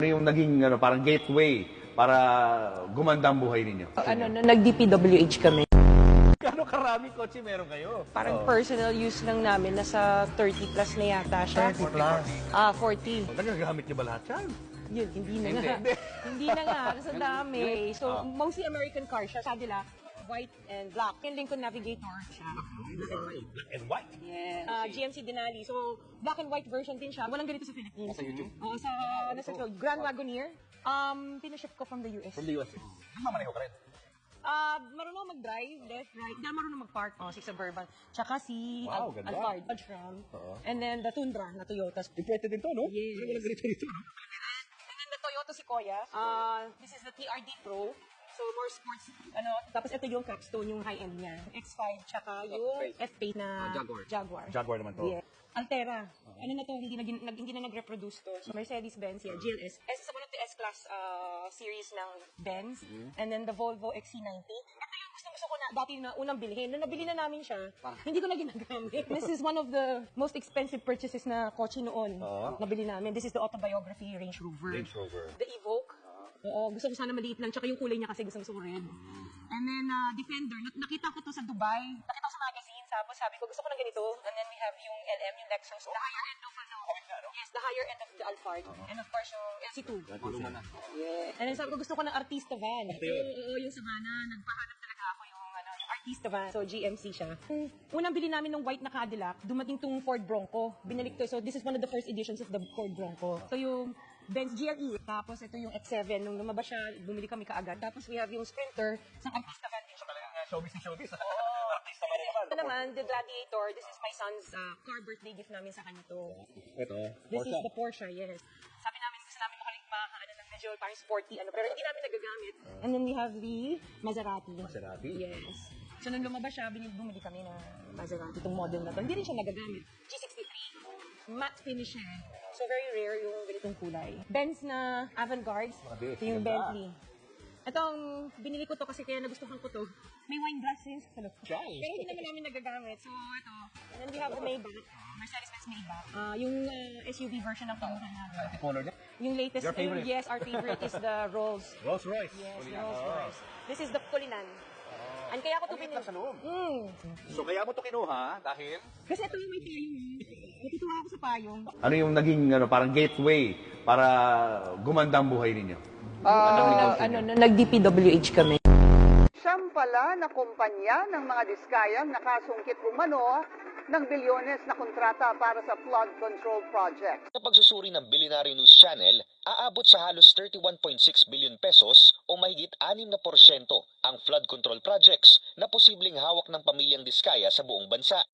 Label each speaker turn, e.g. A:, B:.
A: Ano yung naging parang gateway para gumanda ang buhay ninyo?
B: Nag-DPWH kami.
A: Gano'ng karaming kotse meron kayo?
B: Parang personal use lang namin, nasa 30 plus na yata siya.
A: 30 plus.
B: 40.
A: Nagagamit niyo ba lahat yan?
B: Yun, hindi na nga. Hindi na nga, kasi ang dami. So, mostly American car siya. Cadillac, white and black. Yung Lincoln Navigator siya.
A: Black and white.
B: Yes. GMC Denali. So, black and white version din siya. Walang ganito sa Philippines. Sa YouTube? Oo, nasa Grand Wagoneer. Pinaship ko from the US.
A: From the US. Namamaneho ka rin.
B: Marunong mag-drive, left, right. Hindi marunong mag-park. Si Suburban. Tsaka si
A: Wow, ganda.
B: Alphard, Dodge Ram. And then the Tundra na Toyota.
A: Imported din to, no?
B: Yes.
A: Walang ganito dito, no?
B: And then the Toyota Sequoia. This is the TRD Pro. So, more sports, tapos ito yung capstone, yung high-end niya. X5, tsaka yung F-Pace na Jaguar.
A: Jaguar naman to.
B: Yeah. Altera. Ano na to, hindi na nag-reproduce to. So, Mercedes-Benz yan, GLS. S is one of the S-Class series ng Benz. And then the Volvo XC90. Ito yung gusto ko na dati na unang bilhin. Nung nabili na namin siya, hindi ko na ginagamit. This is one of the most expensive purchases na kotse noon. Nabili namin. This is the autobiography Range Rover.
A: Range Rover.
B: The Evoque. Oo, gusto ko sana maliit lang. Tsaka yung kulay niya kasi gusto ko red. And then, Defender. Nakita ko to sa Dubai. Nakita ko sa magazine. Tapos sabi ko, gusto ko ng ganito. And then we have yung LM, yung Lexus. The higher end of Yes, the higher end of the Alphard. And of course, yung LC2. Yeah. And then sabi ko, gusto ko ng Artista van. Oo, yung Savannah. Nagpahanap talaga ako yung Artista van. So, GMC siya. Unang bili namin ng white na Cadillac, dumating tong Ford Bronco. Binalik to. So, this is one of the first editions of the Ford Bronco. So, yung Benz GLE. Tapos, ito yung X7. Nung lumabas siya, bumili kami kaagad. Tapos, we have yung Sprinter sa Artista van din siya.
A: Showbiz na showbiz.
B: Artista van naman. Ito naman, the Gladiator. This is my son's car birthday gift namin sa kanya to.
A: Ito,
B: This is the Porsche, yes. Sabi namin, gusto namin ng medyo parang sporty, pero hindi namin nagagamit. And then we have the Maserati.
A: Maserati?
B: Yes. So, nung lumabas siya, bumili kami ng Maserati, itong model na to. Hindi rin siya nagagamit. G63. Matte finish siya. So, very rare yung ganitong kulay. Benz na Avantgarde. Ito yung Bentley. Itong, binili ko to kasi kaya nagustuhan ko to. May wine glasses. Pero hindi naman namin nagagamit. So, ito. And then we have the Maybach. Mercedes-Benz Maybach. Yung SUV version ng kinuha namin.
A: Color niya?
B: Yung latest.
A: Your favorite?
B: Yes, our favorite is the Rolls.
A: Rolls Royce.
B: Yes, Rolls Royce. This is the Cullinan. And kaya ko to pinili.
A: Sa loob. So kaya mo to kinuha dahil?
B: Kasi ito yung may payong. Natutuwa ako sa payong.
A: Ano yung naging parang gateway para gumanda ang buhay ninyo?
B: Nag-DPWH kami.
C: Siyam pala na kumpanya ng mga diskayang nakasungkit umano ng bilyones na kontrata para sa flood control project.
D: Sa pagsusuri ng Billionaire News Channel, aabot sa halos 31.6 billion pesos o mahigit 6% ang flood control projects na posibleng hawak ng pamilyang Diskaya sa buong bansa.